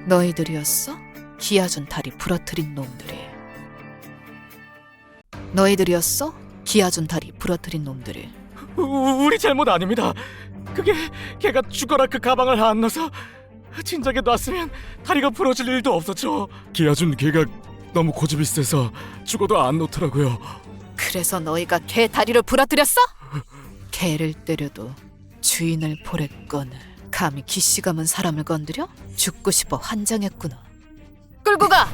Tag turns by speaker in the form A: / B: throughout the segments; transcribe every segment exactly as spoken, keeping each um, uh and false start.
A: 너희들이었어? 기아준 다리 부러뜨린 놈들이. 너희들이었어? 기아준 다리 부러뜨린 놈들이.
B: 우, 우리 잘못 아닙니다. 그게 걔가 죽어라 그 가방을 안 넣어서 진작에 놨으면 다리가 부러질 일도 없었죠. 기아준 걔가 너무 고집이 세서 죽어도 안 놓더라고요.
A: 그래서 너희가 걔 다리를 부러뜨렸어? 개를 때려도 주인을 보랬거늘 감히 기씨 감은 사람을 건드려? 죽고 싶어 환장했구나. 끌고 가!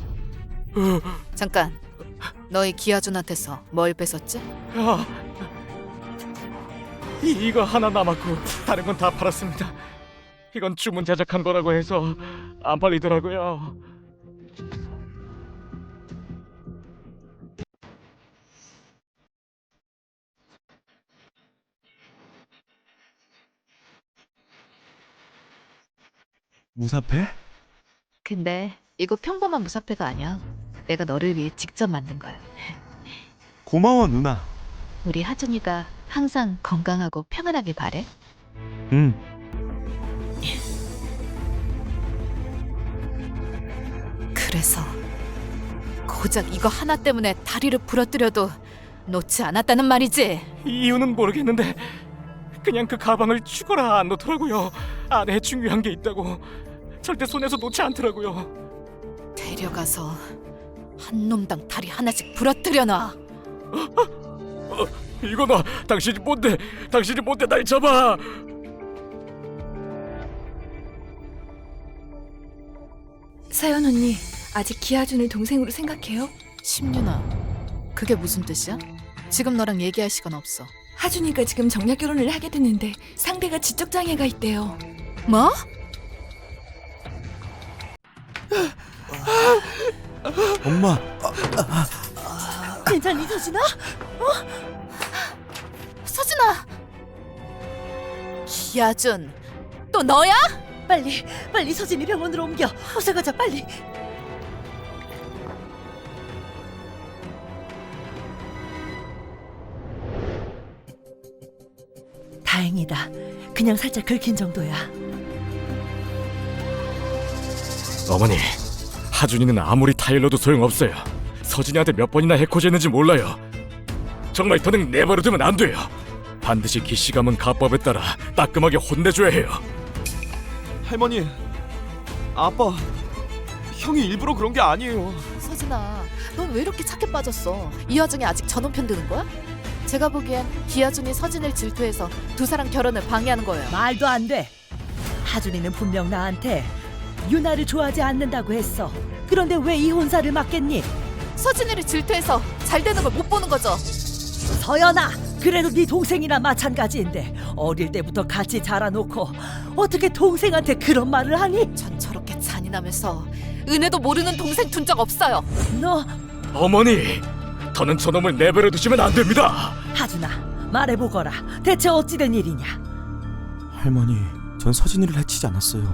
A: 잠깐, 너희 기아준한테서 뭘 뺏었지?
B: 아, 이, 이거 하나 남았고 다른 건 다 팔았습니다. 이건 주문 제작한 거라고 해서 안 팔리더라고요.
C: 무사패?
A: 근데 이거 평범한 무사패가 아니야. 내가 너를 위해 직접 만든 거야.
C: 고마워 누나.
A: 우리 하준이가 항상 건강하고 평안하길 바래.
C: 응.
A: 그래서 고작 이거 하나 때문에 다리를 부러뜨려도 놓지 않았다는 말이지.
B: 이유는 모르겠는데 그냥 그 가방을 죽어라 안 놓더라고요. 안에 중요한 게 있다고 절대 손에서 놓지 않더라고요.
A: 데려가서 한 놈당 다리 하나씩 부러뜨려 놔.
B: 어, 이거 봐, 당신이 뭔데? 당신이 뭔데 날 잡아?
D: 사연 언니, 아직 기아준을 동생으로 생각해요?
A: 심윤아, 그게 무슨 뜻이야? 지금 너랑 얘기할 시간 없어.
D: 하준이가 지금 정략 결혼을 하게 됐는데 상대가 지적 장애가 있대요.
A: 뭐?
C: 엄마.
D: 괜찮니 서진아?
A: 서진아! 기아준, 또 너야?
D: 빨리, 빨리 서진이 병원으로 옮겨. 어서 가자, 빨리. 다행이다. 그냥 살짝 긁힌 정도야.
B: 어머니, 하준이는 아무리 타일러도 소용없어요. 서진이한테 몇 번이나 해코지했는지 몰라요. 정말 더는 내버려두면 안 돼요. 반드시 기씨 감은 가법에 따라 따끔하게 혼내줘야 해요.
C: 할머니. 아빠. 형이 일부러 그런 게 아니에요.
A: 서진아, 넌 왜 이렇게 착해 빠졌어? 이 와중에 아직 전원 편드는 거야? 제가 보기엔 기아준이 서진을 질투해서 두 사람 결혼을 방해하는 거예요.
E: 말도 안 돼. 하준이는 분명 나한테 유나를 좋아하지 않는다고 했어. 그런데 왜 이혼사를 맡겠니?
A: 서진이를 질투해서 잘 되는 걸 못 보는 거죠.
E: 서연아, 그래도 네 동생이나 마찬가지인데 어릴 때부터 같이 자라놓고 어떻게 동생한테 그런 말을 하니?
A: 전 저렇게 잔인하면서 은혜도 모르는 동생 둔 적 없어요.
E: 너
B: 어머니, 더는 저놈을 내버려 두시면 안 됩니다.
E: 하준아, 말해보거라. 대체 어찌된 일이냐?
C: 할머니, 전 서진이를 해치지 않았어요.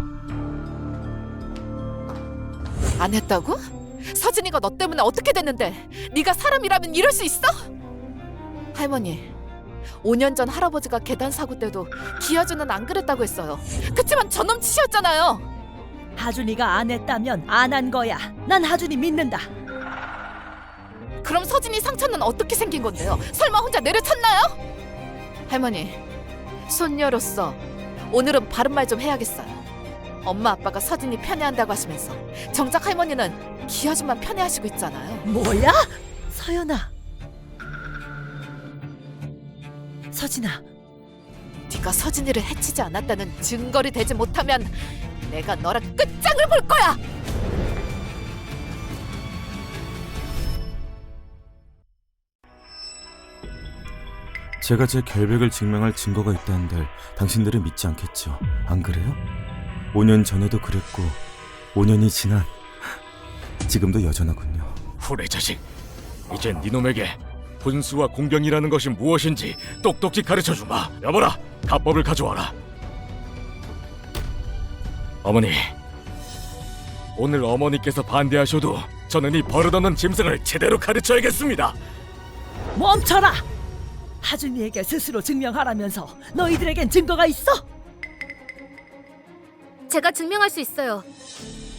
A: 안 했다고? 서진이가 너 때문에 어떻게 됐는데 네가 사람이라면 이럴 수 있어? 할머니, 오 년 전 할아버지가 계단 사고 때도 기아준은 안 그랬다고 했어요. 그치만 저놈 치셨잖아요.
E: 하준이가 안 했다면 안 한 거야. 난 하준이 믿는다.
A: 그럼 서진이 상처는 어떻게 생긴 건데요? 설마 혼자 내려쳤나요? 할머니, 손녀로서 오늘은 바른 말 좀 해야겠어요. 엄마 아빠가 서진이 편애한다고 하시면서 정작 할머니는 기아준만 편애하시고 있잖아요.
E: 뭐야? 서연아. 서진아.
A: 네가 서진이를 해치지 않았다는 증거를 대지 못하면 내가 너랑 끝장을 볼 거야.
C: 제가 제 결백을 증명할 증거가 있다는데 당신들은 믿지 않겠죠. 안 그래요? 오 년 전에도 그랬고 오 년이 지난 지금도 여전하군요.
B: 후레 자식, 이젠 니놈에게 분수와 공경이라는 것이 무엇인지 똑똑히 가르쳐주마. 여보라, 가법을 가져와라. 어머니, 오늘 어머니께서 반대하셔도 저는 이 버릇없는 짐승을 제대로 가르쳐야겠습니다.
E: 멈춰라! 하준이에게 스스로 증명하라면서 너희들에겐 증거가 있어?
F: 제가 증명할 수 있어요.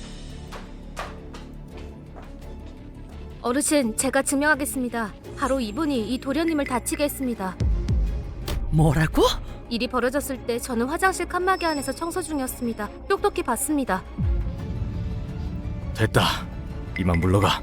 F: 어르신, 제가 증명하겠습니다. 바로 이분이 이 도련님을 다치게 했습니다.
E: 뭐라고?
F: 일이 벌어졌을 때 저는 화장실 칸막이 안에서 청소 중이었습니다. 똑똑히 봤습니다.
B: 됐다. 이만 물러가.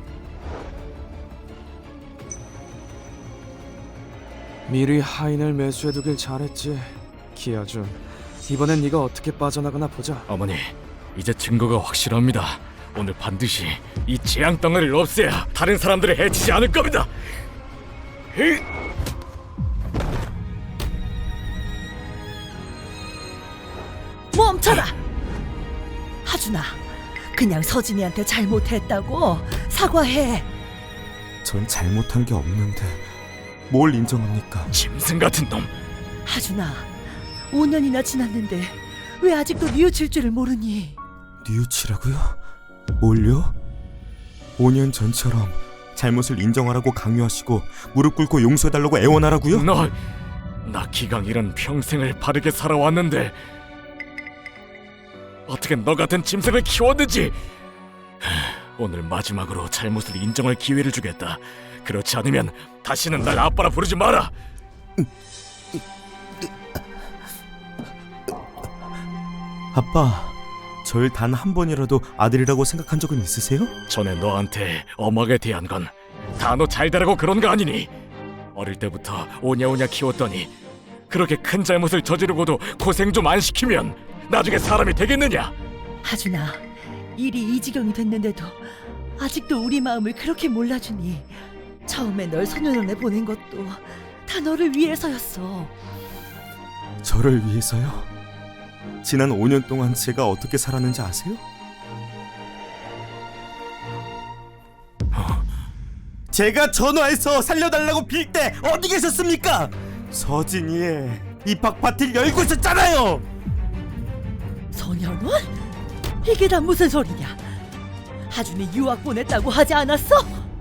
G: 미리 하인을 매수해두길 잘했지. 기아준, 이번엔 네가 어떻게 빠져나가나 보자.
B: 어머니, 이제 증거가 확실합니다. 오늘 반드시 이 재앙 덩어리를 없애야 다른 사람들을 해치지 않을 겁니다. 으이!
E: 멈춰라! 하준아, 그냥 서진이한테 잘못했다고 사과해.
C: 전 잘못한 게 없는데 뭘 인정합니까?
B: 짐승 같은 놈.
E: 하준아, 오 년이나 지났는데 왜 아직도 뉘우칠 줄을 모르니?
C: 뉘우치라고요? 뭘요? 오 년 전처럼 잘못을 인정하라고 강요하시고 무릎 꿇고 용서해달라고 애원하라고요?
B: 너, 나 기강이란 평생을 바르게 살아왔는데 어떻게 너 같은 짐승을 키웠는지. 하, 오늘 마지막으로 잘못을 인정할 기회를 주겠다. 그렇지 않으면 다시는 날 아빠라 부르지 마라.
C: 아빠, 절 단 한 번이라도 아들이라고 생각한 적은 있으세요?
B: 전에 너한테 엄하게 대한 건 다 너 잘 되라고 그런 거 아니니? 어릴 때부터 오냐오냐 키웠더니 그렇게 큰 잘못을 저지르고도 고생 좀 안 시키면 나중에 사람이 되겠느냐?
E: 하준아, 일이 이 지경이 됐는데도 아직도 우리 마음을 그렇게 몰라주니. 처음에 널 소년원에 보낸 것도 다 너를 위해서였어.
C: 저를 위해서요? 지난 오 년 동안 제가 어떻게 살았는지 아세요? 제가 전화해서 살려달라고 빌 때 어디 계셨습니까? 서진이의 입학 파티를 열고 있었잖아요.
E: 소년원? 이게 다 무슨 소리냐? 하준이 유학 보냈다고 하지 않았어?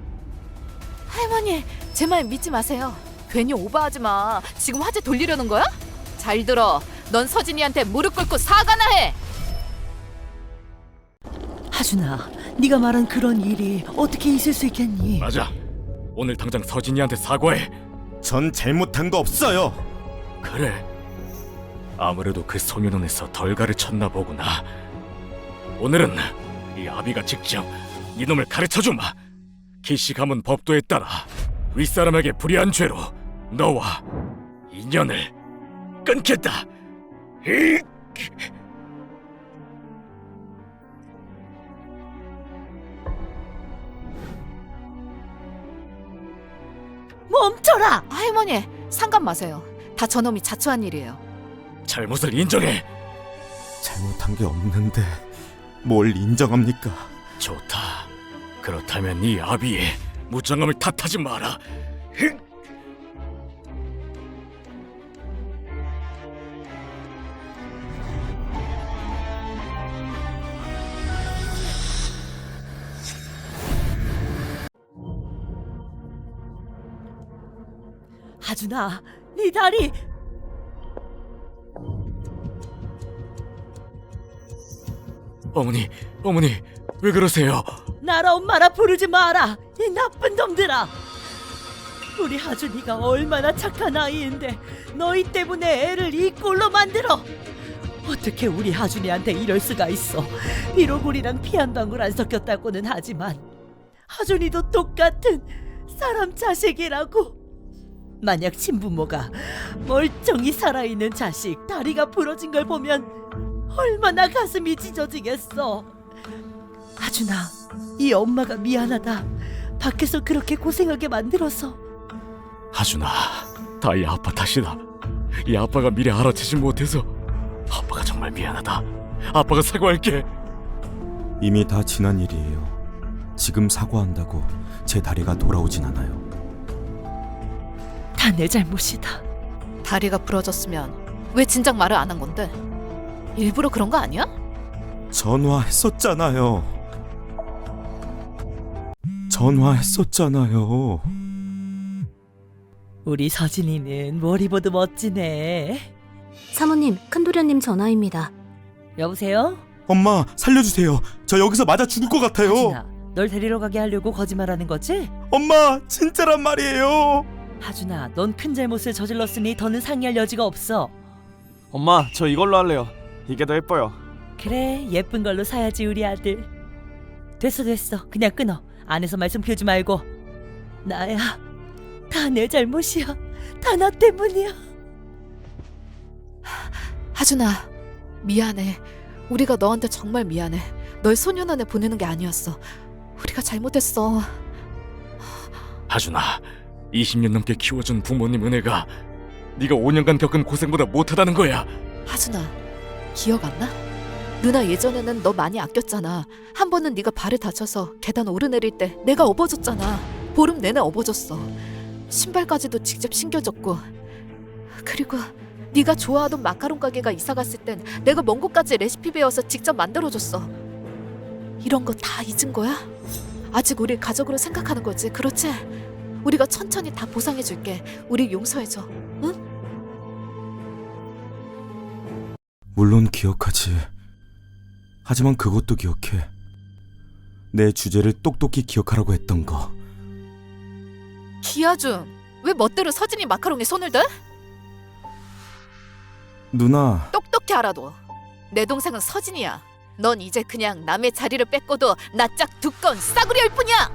A: 할머니, 제 말 믿지 마세요. 괜히 오버하지 마. 지금 화제 돌리려는 거야? 잘 들어. 넌 서진이한테 무릎 꿇고 사과나 해.
E: 하준아, 네가 말한 그런 일이 어떻게 있을 수 있겠니?
B: 맞아. 오늘 당장 서진이한테 사과해.
C: 전 잘못한 거 없어요.
B: 그래. 아무래도 그 소년원에서 덜 가르쳤나 보구나. 오늘은 이 아비가 직접 이놈을 가르쳐주마. 기시 가문 법도에 따라 윗사람에게 불의한 죄로 너와 인연을 끊겠다. 히!
E: 멈춰라!
A: 할머니, 상관 마세요. 다 저놈이 자초한 일이에요.
B: 잘못을 인정해.
C: 잘못한 게 없는데 뭘 인정합니까?
B: 좋다. 그렇다면 이 아비의 무장함을 탓하지 마라. 히!
E: 하준아, 네 다리!
B: 어머니, 어머니, 왜 그러세요?
E: 나라 엄마라 부르지 마라! 이 나쁜 놈들아! 우리 하준이가 얼마나 착한 아이인데 너희 때문에 애를 이 꼴로 만들어! 어떻게 우리 하준이한테 이럴 수가 있어. 비록 우리랑 피 한 방울 안 섞였다고는 하지만 하준이도 똑같은 사람 자식이라고. 만약 친부모가 멀쩡히 살아있는 자식 다리가 부러진 걸 보면 얼마나 가슴이 찢어지겠어. 하준아, 이 엄마가 미안하다. 밖에서 그렇게 고생하게 만들어서.
B: 하준아, 다 이 아빠 탓이다. 이 아빠가 미리 알아채지 못해서. 아빠가 정말 미안하다. 아빠가 사과할게.
C: 이미 다 지난 일이에요. 지금 사과한다고 제 다리가 돌아오진 않아요.
E: 다 내 잘못이다.
A: 다리가 부러졌으면 왜 진작 말을 안 한 건데? 일부러 그런 거 아니야?
C: 전화했었잖아요. 전화했었잖아요.
E: 우리 서진이는 머리보드 멋지네.
F: 사모님, 큰도련님 전화입니다.
E: 여보세요?
C: 엄마, 살려주세요. 저 여기서 맞아 죽을 것 같아요.
E: 하준아, 널 데리러 가게 하려고 거짓말하는 거지?
C: 엄마, 진짜란 말이에요.
E: 하준아, 넌 큰 잘못을 저질렀으니 더는 상의할 여지가 없어.
G: 엄마, 저 이걸로 할래요. 이게 더 예뻐요.
E: 그래, 예쁜 걸로 사야지 우리 아들. 됐어 됐어, 그냥 끊어. 안에서 말씀 피우지 말고. 나야, 다 내 잘못이야. 다 나 때문이야.
A: 하준아, 미안해. 우리가 너한테 정말 미안해. 널 소년원에 보내는 게 아니었어. 우리가 잘못했어.
B: 하준아, 이십 년 넘게 키워준 부모님 은혜가 네가 오 년간 겪은 고생보다 못하다는 거야.
A: 하준아, 기억 안 나? 누나 예전에는 너 많이 아꼈잖아. 한 번은 네가 발을 다쳐서 계단 오르내릴 때 내가 업어줬잖아. 보름 내내 업어줬어. 신발까지도 직접 신겨줬고. 그리고 네가 좋아하던 마카롱 가게가 이사갔을 땐 내가 먼 곳까지 레시피 배워서 직접 만들어줬어. 이런 거 다 잊은 거야? 아직 우리 가족으로 생각하는 거지, 그렇지? 우리가 천천히 다 보상해줄게. 우리 용서해줘, 응?
C: 물론 기억하지. 하지만 그것도 기억해. 내 주제를 똑똑히 기억하라고 했던 거.
A: 기아준, 왜 멋대로 서진이 마카롱에 손을 대?
C: 누나,
A: 똑똑히 알아둬. 내 동생은 서진이야. 넌 이제 그냥 남의 자리를 뺏고도 낯짝 두꺼운 싸구려일 뿐이야.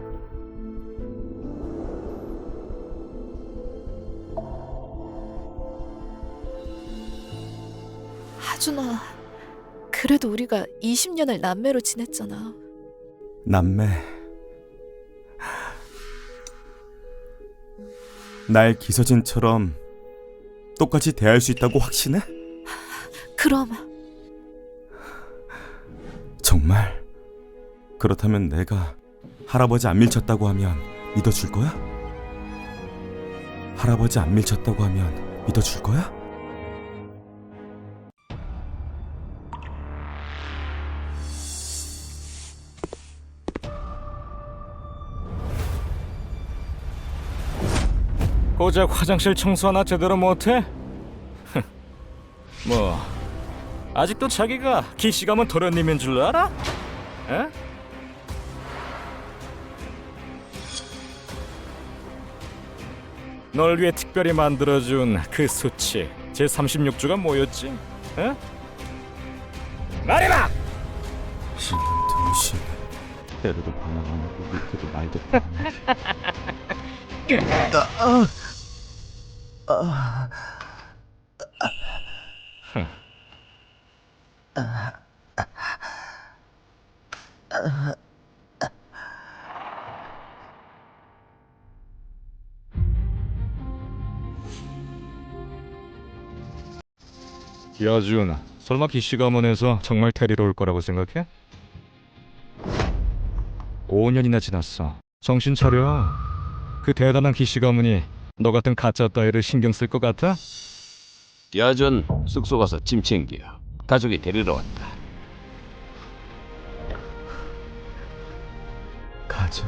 A: 하준아, 그래도 우리가 이십 년을 남매로 지냈잖아.
C: 남매. 날 기서진처럼 똑같이 대할 수 있다고 확신해?
A: 그럼
C: 정말? 그렇다면 내가 할아버지 안 밀쳤다고 하면 믿어줄 거야? 할아버지 안 밀쳤다고 하면 믿어줄 거야?
B: 고작 화장실 청소 하나 제대로 못해? 뭐 아직도 자기가 기시감은 도련님인 줄 알아? 에? 널 위해 특별히 만들어준 그 수치 제삼십육 주가 뭐였지? 에? 말해봐!
C: 등신. 때려도 반항 안 하고 밑에도 말도
B: 기아준, 설마 기씨 가문에서 정말 데리러 올 거라고 생각해? 오 년이나 지났어. 정신 차려. 그 대단한 기씨 가문이 너 같은 가짜 따위를 신경 쓸 것 같아?
H: 야전 숙소 가서 짐 챙겨. 가족이 데리러 왔다.
C: 가져.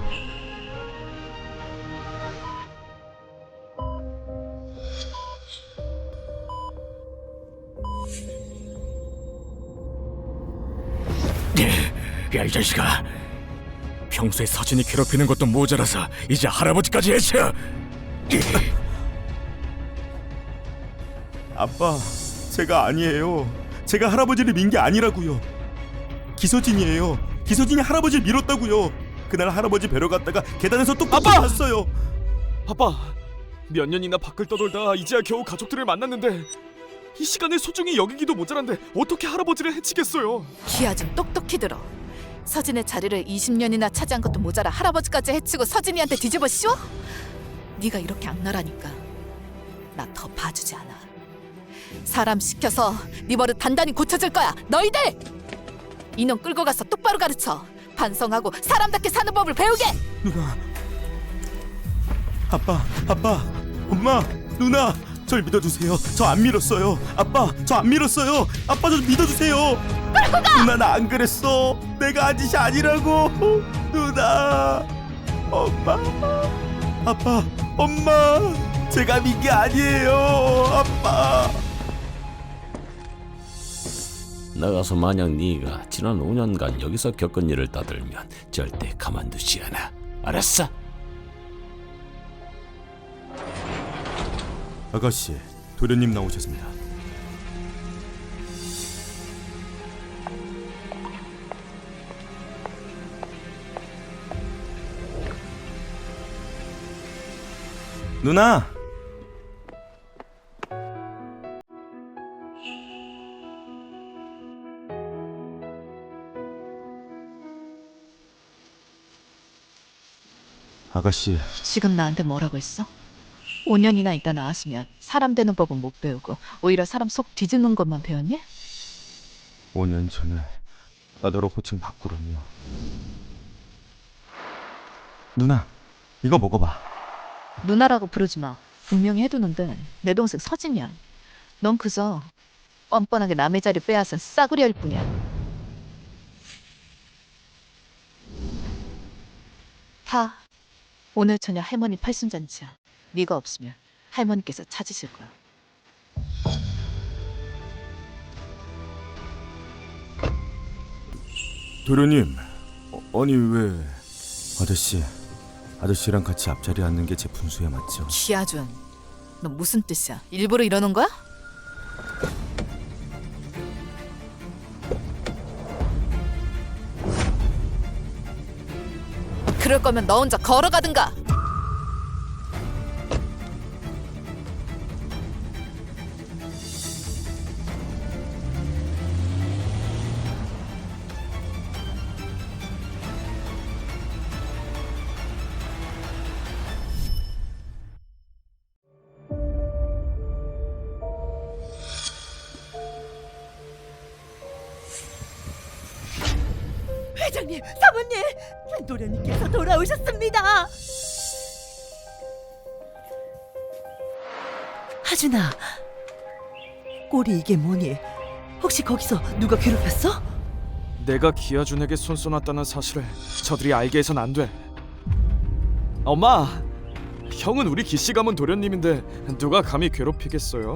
B: 야, 이 자식아. 평소에 서진이 괴롭히는 것도 모자라서 이제 할아버지까지 해쳐.
C: 아빠, 제가 아니에요. 제가 할아버지를 민 게 아니라고요. 기서진이에요. 기서진이 할아버지를 밀었다고요. 그날 할아버지 뵈러 갔다가 계단에서 똑똑히
G: 아빠!
C: 봤어요.
G: 아빠, 몇 년이나 밖을 떠돌다 이제야 겨우 가족들을 만났는데 이 시간을 소중히 여기기도 모자란데 어떻게 할아버지를 해치겠어요?
A: 기아준, 똑똑히 들어. 서진의 자리를 이십 년이나 차지한 것도 모자라 할아버지까지 해치고 서진이한테 뒤집어 씌워? 네가 이렇게 악랄하니까 나 더 봐주지 않아. 사람 시켜서 네 버릇 단단히 고쳐줄 거야. 너희들! 이놈 끌고 가서 똑바로 가르쳐. 반성하고 사람답게 사는 법을 배우게!
C: 누나, 아빠, 아빠, 엄마, 누나, 절 믿어주세요. 저 안 밀었어요. 아빠, 저 안 밀었어요. 아빠, 저 믿어주세요. 누나, 나 안 그랬어. 내가 한 짓이 아니라고. 누나, 엄마, 아빠, 엄마, 제가 민 게 아니에요. 아빠.
H: 나가서 만약 네가 지난 오 년간 여기서 겪은 일을 떠들면 절대 가만두지 않아. 알았어?
C: 아가씨, 도련님 나오셨습니다. 누나! 아가씨,
A: 지금 나한테 뭐라고 했어? 오 년이나 있다 나왔으면 사람 되는 법은 못 배우고 오히려 사람 속 뒤집는 것만 배웠니?
C: 오 년 전에 나더러 호칭 바꾸라며. 누나, 이거 먹어봐.
A: 누나라고 부르지 마. 분명히 해두는데 내 동생 서진이야. 넌 그저 뻔뻔하게 남의 자리 빼앗은 싸구려 할 뿐이야. 다 오늘 저녁 할머니 팔순잔치야. 네가 없으면 할머니께서 찾으실 거야.
C: 도련님, 어, 아니 왜? 아저씨, 아저씨랑 같이 앞자리에 앉는 게 제 분수에 맞죠?
A: 기아준, 너 무슨 뜻이야? 일부러 이러는 거야? 그럴 거면 너 혼자 걸어가든가.
E: 회장님, 사모님, 도련님께서 돌아오셨습니다. 하준아, 꼴이 이게 뭐니? 혹시 거기서 누가 괴롭혔어?
G: 내가 기아준에게 손 쏘놨다는 사실을 저들이 알게 해선 안 돼. 엄마, 형은 우리 기씨 가문 도련님인데 누가 감히 괴롭히겠어요?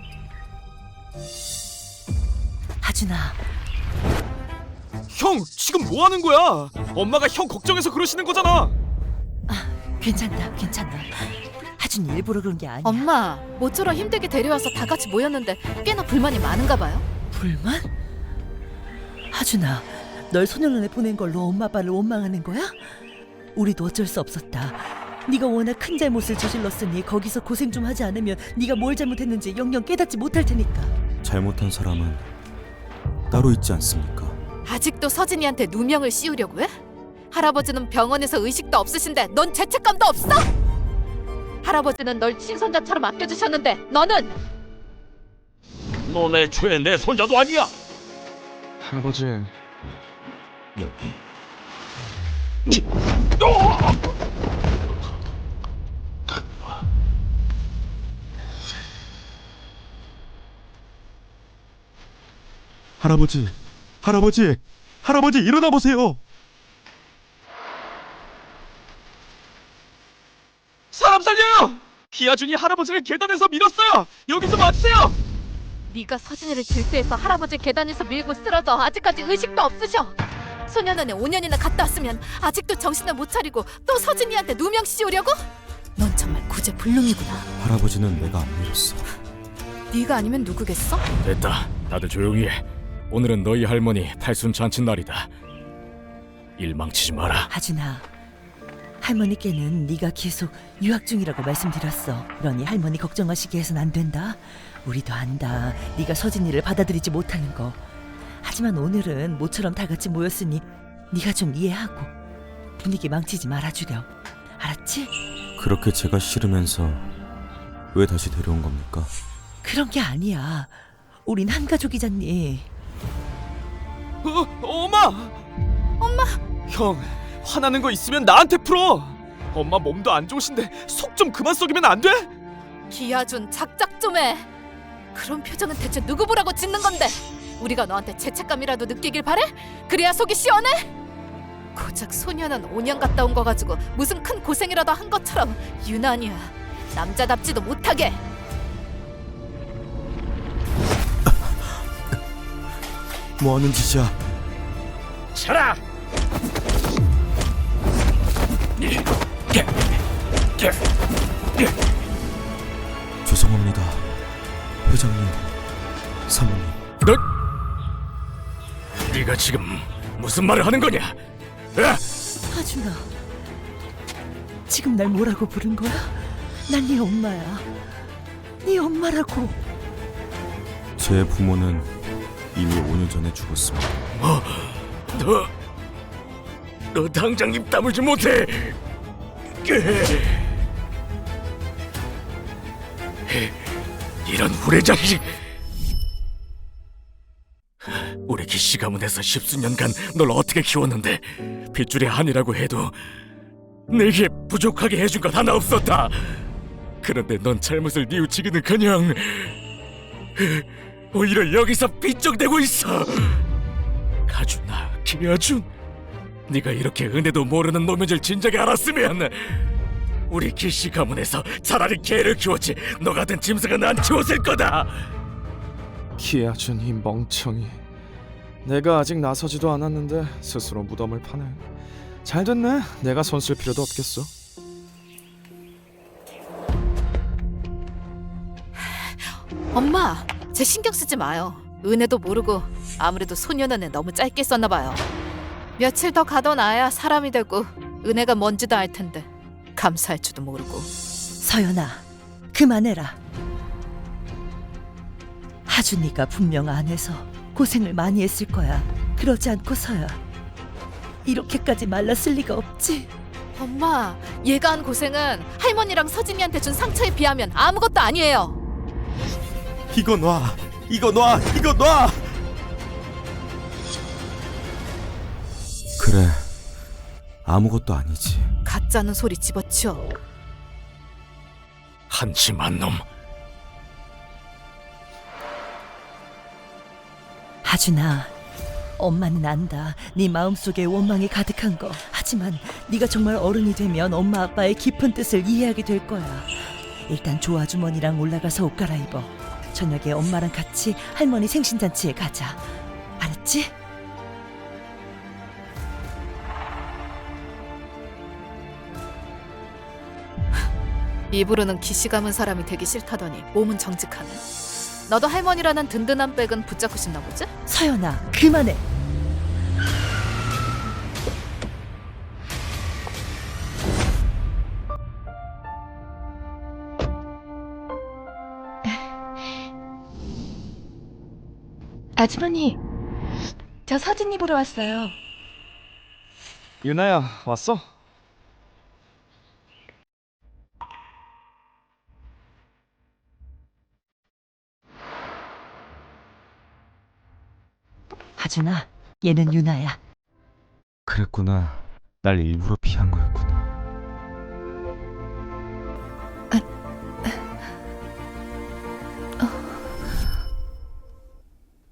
E: 하준아,
G: 형, 지금 뭐 하는 거야? 엄마가 형 걱정해서 그러시는 거잖아.
E: 괜찮다, 괜찮아. 하준이 일부러 그런 게 아니야.
A: 엄마, 모처럼 힘들게 데려와서 다 같이 모였는데 꽤나 불만이 많은가 봐요.
E: 불만? 하준아, 널 소년원에 보낸 걸로 엄마 아빠를 원망하는 거야? 우리도 어쩔 수 없었다. 네가 워낙 큰 잘못을 저질렀으니 거기서 고생 좀 하지 않으면 네가 뭘 잘못했는지 영영 깨닫지 못할 테니까.
C: 잘못한 사람은 따로 있지 않습니까?
A: 아직도 서진이한테 누명을 씌우려고 해? 할아버지는 병원에서 의식도 없으신데 넌 죄책감도 없어? 할아버지는 널 친손자처럼 아껴주셨는데 너는?
H: 너네 애초에 내 손자도 아니야.
G: 할아버지,
C: 할아버지, 할아버지, 할아버지 일어나 보세요.
G: 사람 살려요! 기아준이 할아버지를 계단에서 밀었어요. 여기 좀 와주세요.
A: 네가 서진이를 질투해서 할아버지 계단에서 밀고 쓰러져 아직까지 의식도 없으셔. 소년원에 오 년이나 갔다 왔으면 아직도 정신을 못 차리고 또 서진이한테 누명 씌우려고? 넌 정말 구제불능이구나.
C: 할아버지는 내가 안 밀었어.
A: 네가 아니면 누구겠어?
B: 됐다. 다들 조용히 해. 오늘은 너희 할머니 팔순 잔치 날이다. 일 망치지 마라.
E: 하준아, 할머니께는 네가 계속 유학 중이라고 말씀드렸어. 그러니 할머니 걱정하시게 해선 안 된다. 우리도 안다. 네가 서진이를 받아들이지 못하는 거. 하지만 오늘은 모처럼 다 같이 모였으니 네가 좀 이해하고 분위기 망치지 말아주렴. 알았지?
C: 그렇게 제가 싫으면서 왜 다시 데려온 겁니까?
E: 그런 게 아니야. 우린 한 가족이잖니.
G: 어, 엄마! 엄마! 형, 화나는 거 있으면 나한테 풀어. 엄마 몸도 안 좋으신데 속 좀 그만 썩이면 안 돼?
A: 기아준, 작작 좀 해. 그런 표정은 대체 누구 보라고 짓는 건데? 우리가 너한테 죄책감이라도 느끼길 바래? 그래야 속이 시원해? 고작 소년은 오 년 갔다 온 거 가지고 무슨 큰 고생이라도 한 것처럼 유난이야. 남자답지도 못하게.
C: 뭐하는 짓이야?
B: 차라!
C: 죄송합니다. 회장님, 사모님.
B: 너, 네가 지금 무슨 말을 하는 거냐? 에?
E: 하준아, 지금 날 뭐라고 부른 거야? 난 네 엄마야. 네 엄마라고.
C: 제 부모는 이미 오 년 전에 죽었습니다.
B: 뭐? 너, 너 당장 입 다물지 못해. 이런 후레자식. 우리 기씨 가문에서 십수년간 널 어떻게 키웠는데 핏줄이 아니라고 해도 내게 부족하게 해준 것 하나 없었다. 그런데 넌 잘못을 뉘우치기는커녕 오히려 여기서 삐쩍대고 있어. 가준아, 김여준, 네가 이렇게 은혜도 모르는 놈인 줄 진작에 알았으면 우리 기씨 가문에서 차라리 개를 키웠지 너 같은 짐승은 안 키웠을 거다.
G: 기아준 이 멍청이. 내가 아직 나서지도 않았는데 스스로 무덤을 파네. 잘 됐네. 내가 손 쓸 필요도 없겠어.
A: 엄마, 제 신경 쓰지 마요. 은혜도 모르고 아무래도 소년원에 너무 짧게 썼나 봐요. 며칠 더 가둬놔야 사람이 되고 은혜가 뭔지도 알 텐데 감사할 줄도 모르고.
E: 서연아, 그만해라. 하준이가 분명 안에서 고생을 많이 했을 거야. 그러지 않고서야 이렇게까지 말랐을 리가 없지.
A: 엄마, 얘가 한 고생은 할머니랑 서진이한테 준 상처에 비하면 아무것도 아니에요.
C: 이거 놔! 이거 놔! 이거 놔! 그래, 아무것도 아니지.
A: 가짜는 소리 집어치워.
B: 한심한 놈.
E: 하준아, 엄마는 안다. 네 마음속에 원망이 가득한 거. 하지만 네가 정말 어른이 되면 엄마 아빠의 깊은 뜻을 이해하게 될 거야. 일단 조아주머니랑 올라가서 옷 갈아입어. 저녁에 엄마랑 같이 할머니 생신잔치에 가자. 알았지?
A: 입으로는 기시 감은 사람이 되기 싫다더니 몸은 정직하네. 너도 할머니라는 든든한 백은 붙잡고 싶나 보지?
E: 서연아, 그만해.
D: 아주머니, 저 서진이 보러 왔어요.
G: 유나야, 왔어?
E: 하준아, 얘는 유나야.
C: 그랬구나. 날 일부러 피한 거였구나.